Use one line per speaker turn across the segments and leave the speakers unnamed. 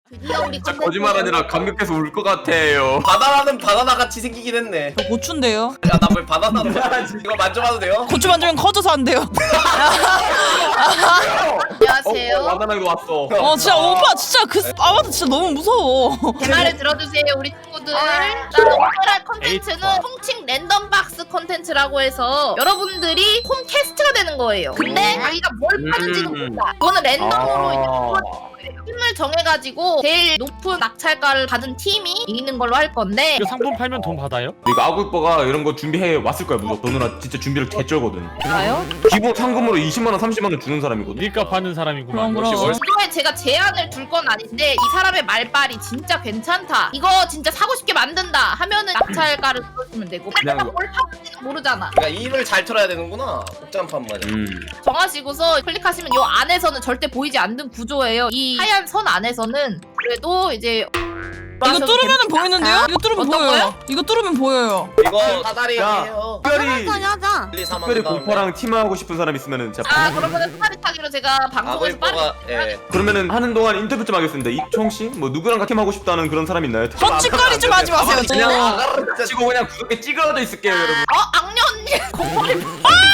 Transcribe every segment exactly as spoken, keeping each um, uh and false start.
드디어 우리
진짜 거짓말 아니라 감격해서 울 것 같아요.
바나나는 바나나 같이 생기긴 했네.
저 고추인데요.
야 나 왜 바나나로 이거 만져봐도 돼요?
고추 만지면 커져서 안 돼요.
안녕하세요.
어, 바나나도 왔어.
어 진짜 오빠 진짜 그 아마도 진짜 너무 무서워.
제 말을 들어주세요 우리 친구들. 자, 오늘할 컨텐츠는 통칭 랜덤 박스 컨텐츠라고 해서 여러분들이 홈 캐스트가 되는 거예요. 근데 자기가 뭘 파는지는
음.
몰라. 그거는 랜덤으로 이제
아.
뽑아주는 거예요. 팀을 정해가지고 제일 높은 낙찰가를 받은 팀이 이기는 걸로 할 건데
이거 상품 팔면 돈 받아요?
이거 아구이뻐가 이런 거 준비해 왔을 거야 무조건. 너 누나 진짜 준비를 개쩔거든.
나요?
기본 상금으로 이십만 원, 삼십만 원 주는 사람이거든.
일값 하는 사람이구만.
그럼, 그럼.
역시 월-
이거에 제가 제안을 둘 건 아닌데 이 사람의 말빨이 진짜 괜찮다. 이거 진짜 사고 싶게 만든다 하면은 낙찰가를 들어주면 되고
그냥
내가 뭘 파는지는 모르잖아.
그러니까 입을 잘 털어야 되는구나. 복잡한 말이야.
음.
정하시고서 클릭하시면 요 안에서는 절대 보이지 않는 구조예요. 이 하얀 선 안에서는 그래도 이제
이거 뚫으면 보이는데요? 이거 뚫으면
어떤
보여요.
거요?
이거 뚫으면 보여요.
이거 사다리예요.
특별히
하자.
일, 삼
특별히
하는 다음에.
공파랑 팀하고 싶은 사람 있으면은 제가
아 그러면은 스파리타기로 제가 방송에서 빠르게
아구이뻐가 예.
그러면은 하는 동안 인터뷰 좀 하겠습니다. 이총 씨, 뭐 누구랑 같이 팀하고 싶다는 그런 사람 있나요?
헛짓거리 좀 하지 마세요.
가만히 그냥
진짜.
아가를 진짜
치고 그냥 구석에 찌그러져 있을게요, 여러분.
어 악녀 언니 공포리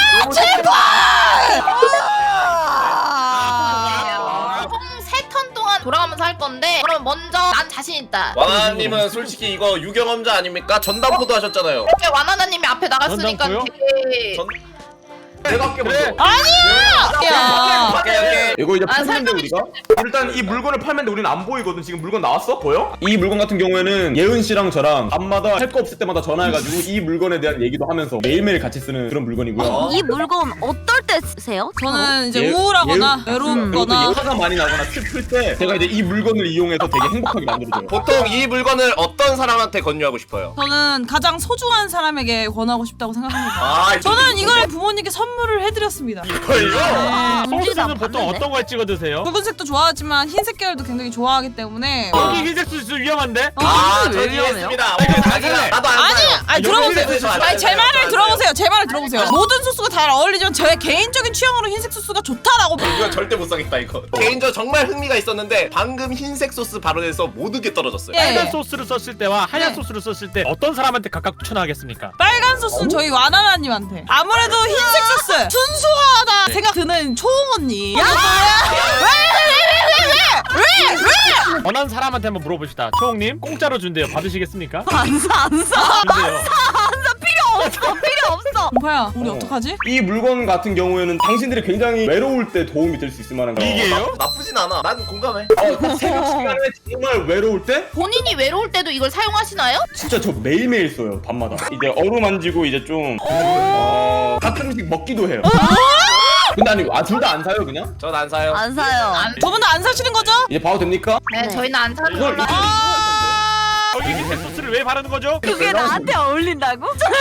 총세 턴 동안 돌아가면서 할 건데 그럼 먼저 난 자신 있다.
와나님은 솔직히 이거 유경험자 아닙니까? 전담포도 하셨잖아요.
이렇게 와나나님이 앞에 나갔으니까
전담포요?
되게
전-
내가 할게
그래.
먼저.
야.
오케이 오케이.
이거 이제
아,
팔면데
설명이
우리가 일단 이 물건을 팔면데 우리는 안 보이거든. 지금 물건 나왔어? 보여? 이 물건 같은 경우에는 예은 씨랑 저랑 밤마다 할 거 없을 때마다 전화해가지고 이 물건에 대한 얘기도 하면서 매일매일 같이 쓰는 그런 물건이고요.
어?
이 물건 어떨 때 쓰세요?
저는 이제
예-
우울하거나
예- 그리고
외롭거나
또 화가 많이 나거나 슬플 때 제가 이제 이 물건을 이용해서 되게 행복하게 만들어줘요.
보통 이 물건을 어떤 사람한테 권유하고 싶어요?
저는 가장 소중한 사람에게 권하고 싶다고 생각합니다.
아
저는 이걸 부모님께 선물을 해드렸습니다.
이걸요?
아,
소스는 보통 어떤 걸 찍어 드세요?
붉은색도 좋아하지만 흰색 계열도 굉장히 좋아하기 때문에
여기 흰색 소스 위험한데?
아,
왜
저
위험해요?
이해했습니다. 오케이, 자기가 나도 안
아니,
사요.
아니
여기
들어보세요.
흰색
소스
아니 제
안
말을
사요.
들어보세요. 제 말을 들어보세요. 모든 소스가 잘 어울리지만 제 개인적인 취향으로 흰색 소스가 좋다라고.
이건 절대 못 사겠다 이거. 개인적으로 정말 흥미가 있었는데 방금 흰색 소스 발언에서 모든 게 떨어졌어요.
예.
빨간 소스를 썼을 때와 하얀
네.
소스를 썼을 때 어떤 사람한테 각각 추천하겠습니까?
빨간 소스는 저희 와나나님한테. 아무래도 흰색 소스 순수하다 생각 드는 초홍 언니. 야, 왜왜왜왜왜왜
원하는 사람한테 한번 물어봅시다. 초홍님 공짜로 준대요. 받으시겠습니까?
안사 안사
준대요.
필요 없어 필요 없어.
공파야, 우리
어.
어떡하지?
이 물건 같은 경우에는 당신들이 굉장히 외로울 때 도움이 될 수 있을 만한 거.
이게요?
나쁘진 않아. 난 공감해.
어, 새벽 시간에 정말 외로울 때
본인이 외로울 때도 이걸 사용하시나요?
진짜 저 매일매일 써요. 밤마다. 이제 어루만지고 이제 좀 어, 가끔씩 먹기도 해요. 근데 아니 아 둘 다 안 사요 그냥?
전 안 사요.
안 사요.
두 분 다 안 사시는 거죠?
이제 봐도 됩니까?
네,
네.
저희는 안 사는
이걸
걸로.
여기 흰색 소스를 왜 바르는 거죠?
그게 나한테 어울린다고?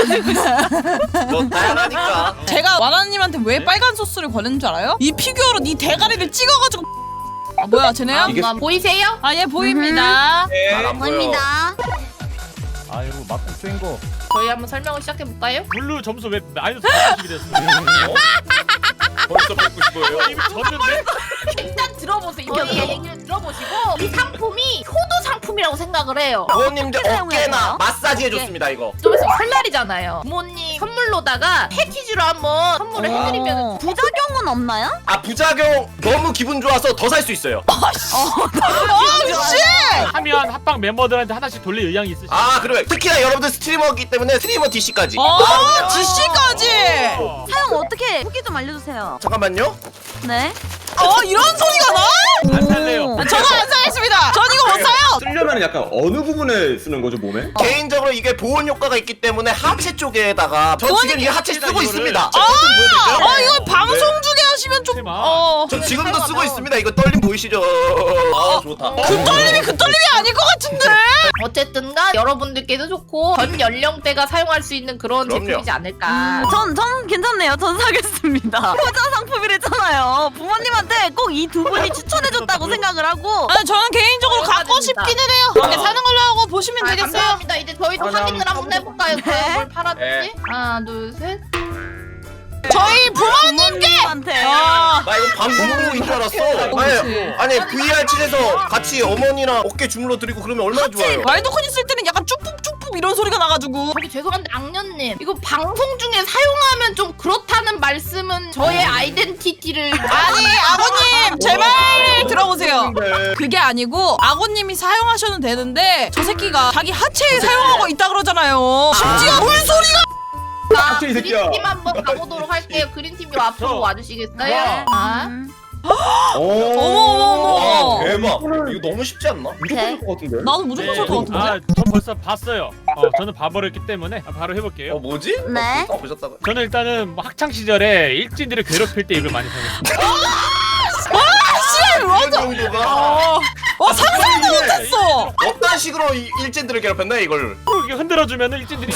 뭐 다양하니까.
제가 와나님한테 왜 빨간 소스를 권했는 줄 알아요? 이 피규어로 네 대가리를 찍어가지고. 아 뭐야 쟤네야?
이게-
아, 보이세요?
아 예 보입니다.
잘안 보여.
보입니다.
아이고 맞고 쐐인 거.
저희 한번 설명을 시작해 볼까요?
블루 점수 왜 마이너스 백구십이 됐어요?
벌써 뵙고 싶어요.
이미 졌는데?
일단 들어보세요. 저희 얘기를 들어보시고 이 상품이 효도 상품이라고 생각을 해요.
부모님들
어떻게
어깨나
사용해요?
마사지 해줬습니다 이거.
좀 있으면 설날이잖아요. 부모님 선물로다가 패키지로 한번 선물을
어.
해드리면
부작용은 없나요?
아 부작용 너무 기분 좋아서 더 살 수 있어요.
아씨!
하면 합방 멤버들한테 하나씩 돌릴 의향이 있으시죠?
아 그러면 특히나 여러분들 스트리머이기 때문에 스트리머 디씨까지.
어 지씨까지.
어.
사용 어떻게 후기 좀 알려주세요.
잠깐만요.
네.
어 이런 소리가 나?
안 살래요.
오.
저도 안 사겠습니다. 전 이거 못 사요.
쓰려면 약간 어느 부분에 쓰는 거죠 몸에?
개인적으로 이게 보온 효과가 있기 때문에 하체 쪽에다가 저 지금 이 하체 쓰고
이거를.
있습니다. 제 버튼 보여드릴까요?
어 이거 방송 중에 하시면 좀.
하지마.
어.
저 지금도 쓰고 있습니다. 이거 떨림 보이시죠? 아 좋다.
그 떨림이 그 떨림이 아닐 것 같은데.
어쨌든간 여러분들께도 좋고 전 연령대가 사용할 수 있는 그런
그럼요.
제품이지 않을까.
전, 전 괜찮네요. 전 사겠습니다. 효자 상품이랬잖아요. 부모님한테 꼭 이 두 분이 추천해줬다고 생각을 하고.
아 저는 개인적으로 갖고 싶기는 해요. 이렇게 사는 걸로 하고 보시면
아,
되겠어요.
감사합니다. 이제 저희도
감사합니다.
확인을 한번 해볼까요?
네.
뭘 팔았지?
네.
하나, 둘, 셋.
저희 부모님께.
부모님한테.
아,
나 이거 방송인 줄 알았어.
그치.
아니, 아니 브이알 칠에서 같이 어머니랑 어깨 주물러 드리고 그러면 얼마나 좋아요.
와일드콘 있을 때는 약간 쭉쭉쭉쭉 이런 소리가 나가지고.
저기 죄송한데 악녀님 이거 방송 중에 사용하면 좀 그렇다는 말씀은 저의 아이덴티티를
아니 아버님 제 말 들어보세요. 그게 아니고 아버님이 사용하셔도 되는데 저 새끼가 자기 하체에 사용하고 있다 그러잖아요. 심지어 물소리가.
닥쳐, 이 새끼야.
그린팀 한번 가보도록 할게요. 그린팀 요 앞으로
저.
와주시겠어요? 아?
음.
오.
어머.
와 대박. 이거 너무 쉽지 않나?
무조건 할 것 같은데.
나도 무조건 살 것 같은데.
아, 전 벌써 봤어요. 어, 저는 봐버렸기 때문에 바로 해볼게요.
어 뭐지?
네.
어, 보셨다가.
저는 일단은 뭐 학창 시절에 일진들을 괴롭힐 때 이걸 많이 사용했어요.
이런 정도가
어, 어 상상도 못했어.
어떤 식으로 이 일진들을 괴롭혔나 이걸.
이렇게 흔들어주면 일진들이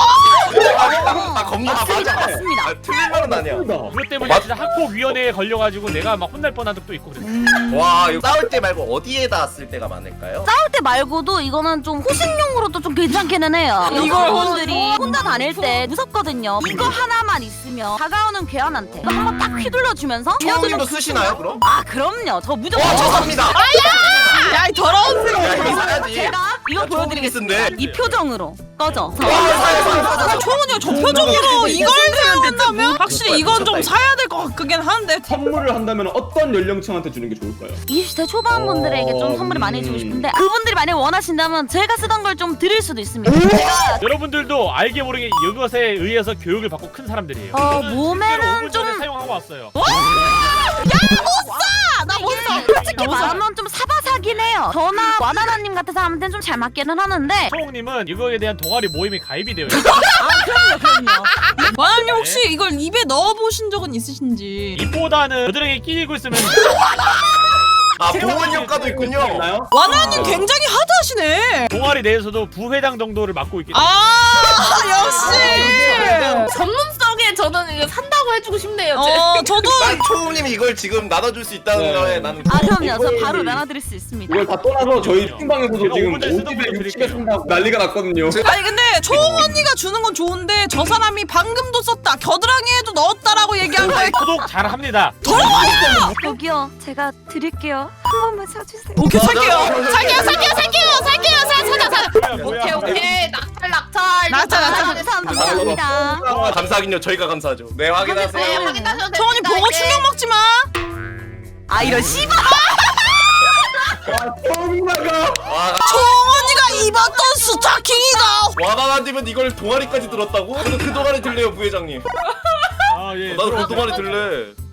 아 겁나
맞습니다,
맞아.
맞습니다.
아, 틀린 말은 아니야.
그것 때문에
맞-
진짜 학폭위원회에 걸려가지고 내가 막 혼날 뻔한 적도 있고 그랬어.
와 이거 싸울 때 말고 어디에다 쓸 때가 많을까요?
싸울 때 말고도 이거는 좀 호신용으로도 좀 괜찮기는 해요.
이걸
여성분들이 혼자 다닐 때 무섭거든요. 이거 하나만 있으면 다가오는 괴한한테 이거 한번 딱 휘둘러주면서
초우님도 쓰시나요 그럼?
아 그럼요. 저 무조건
와 죄송합니다.
야 이 더러운 새끼.
야 이거 사야지.
제가 이거
야,
보여드리겠습니다.
초우님이 쓴데.
이 표정으로 꺼져.
초원이가 저 표정으로 이걸 사용한다면 확실히 이건 좀 사야 될 것 같긴 한데.
선물을 한다면 어떤 연령층한테 주는 게 좋을까요?
이십 대 초반 분들에게 좀 선물을 많이 해주고 싶은데 그분들이 만약 원하신다면 제가 쓰던 걸 좀 드릴 수도 있습니다. 제가
여러분들도 알게 모르게 이것에 의해서 교육을 받고 큰 사람들이에요.
어,
저는
몸에는
실제로 오 분 전에
좀-
사용하고 왔어요.
나못 써. 솔직히 말하면 좀 사바사긴 해요. 저나 와나나님 같은 사람한테는 좀 잘 맞기는 하는데
초홍님은 이거에 대한 동아리 모임에 가입이 되어 있어요.
와나님 혹시 이걸 입에 넣어 보신 적은 있으신지?
입보다는 겨드랑이에 끼고 있으면
아 보온 효과도 있군요.
있나요?
와나님 굉장히 하드하시네.
동아리 내에서도 부회장 정도를 맡고 있기 때문에
아 역시.
전문성에 저는 이거 산다고 해주고 싶네요. 제.
어 저도
난 초우님이 이걸 지금 나눠줄 수 있다는
네.
거에 나는.
아 그럼요. 저
이걸-
바로 나눠드릴 수 있습니다.
이걸 다 떠나서 저희 팀방에서도
제가
지금
오 분 전에 쓰던
오십에
걸로
육십에
드릴게요.
산다고 난리가 났거든요.
아니 근데 초홍 언니가 주는 건 좋은데 저 사람이 방금도 썼다 겨드랑이에도 넣었다라고 얘기한 거에
소독 잘 합니다.
여기요. 제가 드릴게요. 한 번만 사주세요.
오케이 살게요.
살게요, 살게요, 살게요, 살게요, 사, 사자, 사자.
뭐야, 뭐야.
오케이, 오케이. 낙찰, 낙찰.
낙찰, 낙찰.
감사합니다.
아, 감사하긴요. 저희가 감사하죠. 네
네,
확인하세요.
확인하셔도 됩니다.
초홍 언니 보고
이제.
충격 먹지 마.
아 이런 씨발.
엄마가
와
초홍 언니가 입었던 스타킹이다.
와나나님은 이걸 동아리까지 들었다고? 저는 그 동아리 들래요 부회장님.
아 예.
나도 그 동아리 들래.